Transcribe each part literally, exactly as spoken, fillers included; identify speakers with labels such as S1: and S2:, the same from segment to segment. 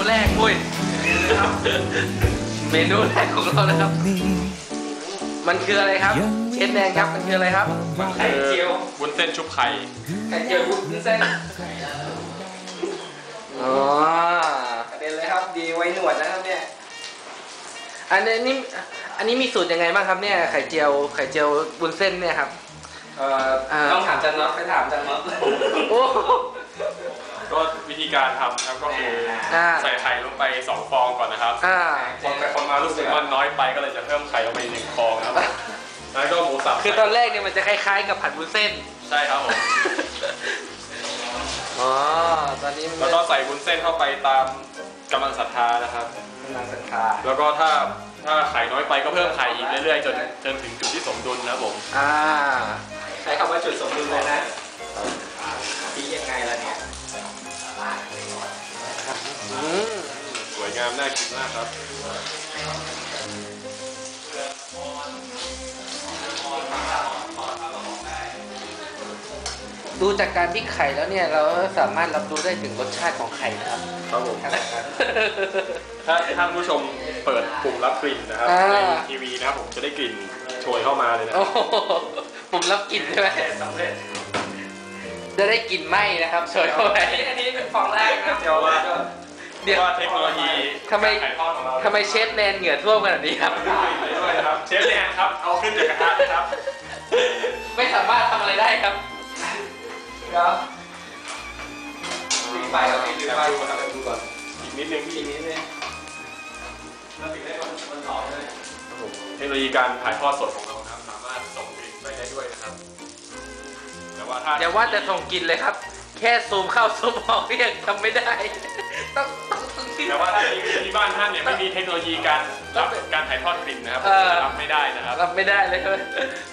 S1: แรกอุ้ยเมนูแรกของเรานะครับมันคืออะไรครับเชฟแดงครับมันคืออะไรครับไข่เจียว
S2: วุ้นเส้นชุบไข่
S1: ไข่เจียววุ้นเส้นอ๋อกระเด็นเลยครับดีไว้หนวดนะครับเนี่ยอันนี้นี่อันนี้มีสูตรยังไงบ้างครับเนี่ยไข่เจียวไข่เจียววุ้นเส้นเนี่ยครับต้องถามจันน็อตไปถามจันน็อตโอ้
S2: ก็วิธีการทำครับก็คือใส่ไข่ลงไปสองฟองก่อนนะครับคนไปคนมารู้สึกว่าน้อยไปก็เลยจะเพิ่มไข่ลงไปหนึ่งฟองครับแล้วก็หมูสับ
S1: คือตอนแรกเนี่ยมันจะคล้ายๆกับผัดวุ้นเส้น
S2: ใช่ครับผม
S1: อ๋อตอนนี้
S2: แล้วก็ใส่วุ้นเส้นเข้าไปตามกำลังศรัทธานะครับ
S1: กำลังศรัทธา
S2: แล้วก็ถ้าถ้าไข่น้อยไปก็เพิ่มไข่อีกเรื่อยๆจนจนถึงจุดที่สมดุลนะครับผม
S1: อ่าใช้คำว่าจุดสมดุลเลยนะที่ยังไงล่ะเนี่ย
S2: สวยงามน่ากินมากครับ
S1: ดูจากการที่ไข่แล้วเนี่ยเราสามารถรับรู้ได้ถึงรสชาติของไข่นะครับ
S2: ครับผมถ้าท่านผู้ชมเปิดปุ่มรับกลิ่นนะครับในทีวีนะครับผมจะได้กลิ่นโชยเข้ามาเลยนะ
S1: ปุ่มรับกลิ่นใช่ไหมจะได้กลิ่นไหม้นะครับโชยเข้าไปอันนี้เป็นฟองแรกนะ
S2: เดี๋ยวว่าเดี๋ยวว่าเทคโนโลยี
S1: ทำไมทำไมเชฟแนนเหงื่อท่วมขนาดนี้ครับ
S2: ด้วยครับเชฟแนนครับเอาขึ้นจากกระทะครับ
S1: ไม่สามารถทำอะไรได้ครับครับปิดไฟครับปิดไฟดูก่อนดูก่อน
S2: อีกนิดนึงอีกนิดนึงเราปิดได้ก่อนมันหอมเลยเทคโนโลยีการถ่ายทอดสดของเรานะครับสามารถส่งกลิ่นไปได้ด้วยนะครับแต่ว่าถ้า
S1: อย่าว่าแต่ส่งกลิ่นเลยครับแค่ซูมเข้าซูมออกเรียกทำไม่ได้ต้อง
S2: แต่ว่าถ้าที่บ้านท่านเนี่ยไม่มีเทคโนโลยีการรับการถ่ายทอดกลิ่นนะครับรับไม่ได้นะครับ
S1: รับไม่ได้เลยครับ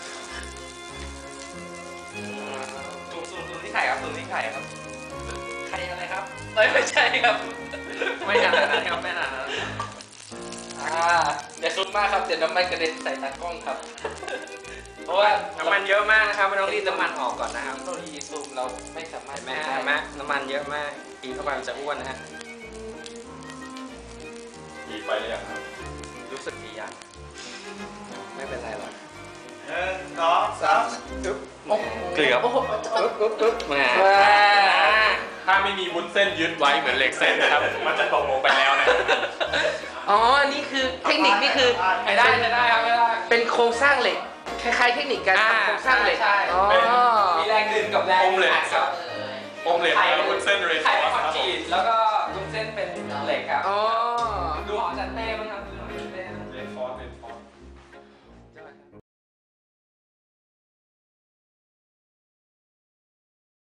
S1: ซูมซูมซูมที่ไข่ครับซูมที่ไข่ครับไข่อะไรครับเอ้ยไม่ใช่ครับไม่ขนาดนั้นครับไม่ขนาดนั้นอ่าอย่าซูมมากครับเดี๋ยวน้ำมันกระเด็นใส่ตากล้องครับเพราะว่าน้ำมันเยอะมากนะครับไม่ต้องรีดน้ำมันออกก่อนนะครับเทคโนโลยีซูมเราไม่สามารถแม่แม่น้ำมันเยอะมากกินเข้าไปมันจะอ้วนนะฮะ
S2: ดีไปหรือยังครับ
S1: รู้สึกดียังไม่เป็นไรหรอก
S3: หนึ่งสองสาม
S1: ปึ๊บเกลือปึ๊บปึ๊บปึ๊บปึ๊บมา
S2: ถ้าไม่มีวุ้นเส้นยึดไว้เหมือนเหล็กเส้นนะครับมันจะตกลงไปแล้วนะ
S1: อ๋อนี่คือเทคนิคนี่คือ
S3: ไม่ได้ไม่ได้ครับไม่ได้
S1: เป็นโครงสร้างเหล็กคล้ายๆเทคนิคการทำโครงสร้างเหล็ก
S3: มีแรงดึงกับแรง
S2: อมเหล็กอมเหล็กแล้ววุ้นเส้นเรน
S3: ไข่คอนกรีตแล้วก็วุ้นเส้นเป็นเหล็กครับ
S1: อ๋อ